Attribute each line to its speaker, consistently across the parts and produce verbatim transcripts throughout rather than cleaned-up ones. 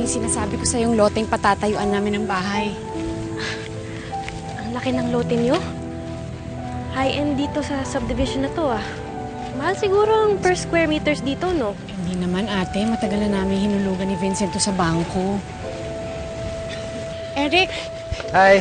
Speaker 1: yung sinasabi ko sa yung loteng patatayuan namin ng bahay.
Speaker 2: Ang laki ng lote niyo. High-end dito sa subdivision na to ah. Mahal siguro ang per square meters dito, no?
Speaker 1: Hindi naman ate, matagal na namin hinulugan ni Vincent to sa bangko. Eric,
Speaker 3: Hi.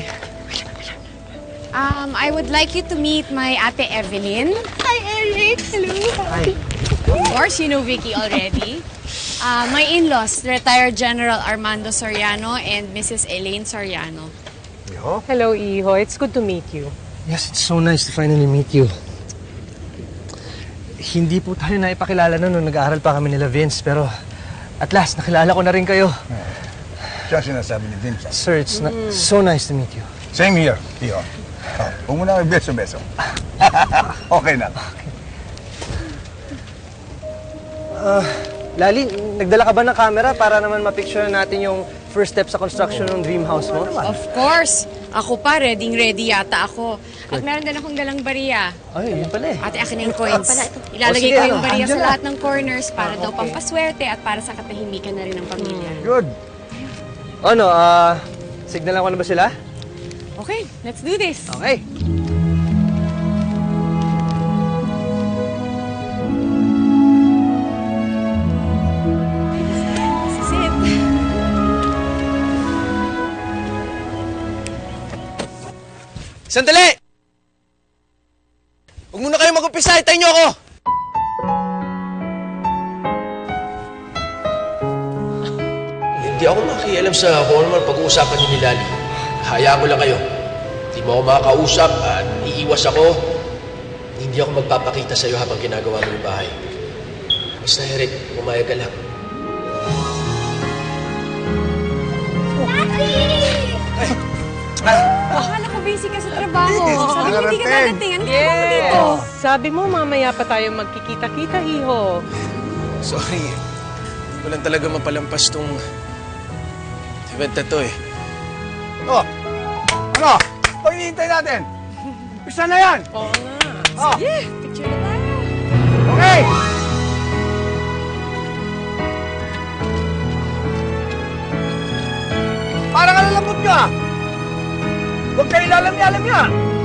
Speaker 1: um, I would like you to meet my ate Evelyn. Hi Eric, hello.
Speaker 3: Hi.
Speaker 1: Of course, you know Vicky already. Uh, my in-laws, retired General Armando Soriano and Missus Elaine Soriano.
Speaker 3: Iho?
Speaker 4: Hello, Iho. It's good to meet you.
Speaker 3: Yes, it's so nice to finally meet you. Hindi po tayo naipakilala nun nung nag-aaral pa kami nila Vince, pero at last, nakilala ko na rin kayo.
Speaker 5: Siya ang sinasabi ni Vincent.
Speaker 3: Sir, it's na- so nice to meet you.
Speaker 5: Same here, Iho. Oh, huwag mo na may beso-beso. Okay na.
Speaker 3: Uh, Lali, nagdala ka ba ng camera para naman mapicture natin yung first step sa construction ng dream house mo?
Speaker 1: Of course. Ako pa, ready-ready yata ako. At meron din akong dalang bariya.
Speaker 3: Ay, yun pala eh.
Speaker 1: Ate, akin na yung coins. Ilalagay
Speaker 3: O, sige,
Speaker 1: ko yung
Speaker 3: ano,
Speaker 1: bariya sa
Speaker 3: andyan na.
Speaker 1: lahat ng corners para daw pampaswerte at para sa katahimikan na rin ng pamilya.
Speaker 5: Good.
Speaker 3: Ano, ah, signalan ko na ba sila?
Speaker 1: Okay, let's do this.
Speaker 3: Okay.
Speaker 1: This is it.
Speaker 6: Sandali! Huwag muna kayo mag-umpisa, itayin niyo ako! Hindi ako makialam sa kung ano man pag-uusapan niyo ni Lali. Hayaan ko lang kayo. Hindi mo ako makakausap at iiwas ako. Hindi ako magpapakita sa iyo habang ginagawa mo yung bahay. Basta, Eric, pumayag ka lang.
Speaker 1: Akala ko busy ka sa trabaho. Sabi mo hindi ka dadating. Ano ginagawa mo dito?
Speaker 4: Sabi mo, mamaya pa tayo magkikita-kita, Iho.
Speaker 6: Sorry. Hindi ko lang talaga mapalampas tong event na to eh.
Speaker 5: Oh, ano? Ito hinihintay natin. Isa na yan.
Speaker 4: Oo nga.
Speaker 5: Oh,
Speaker 1: Yeah, picture na tayo.
Speaker 5: okay. Parang alalambot ka. Huwag kayo lalam-yalam yan.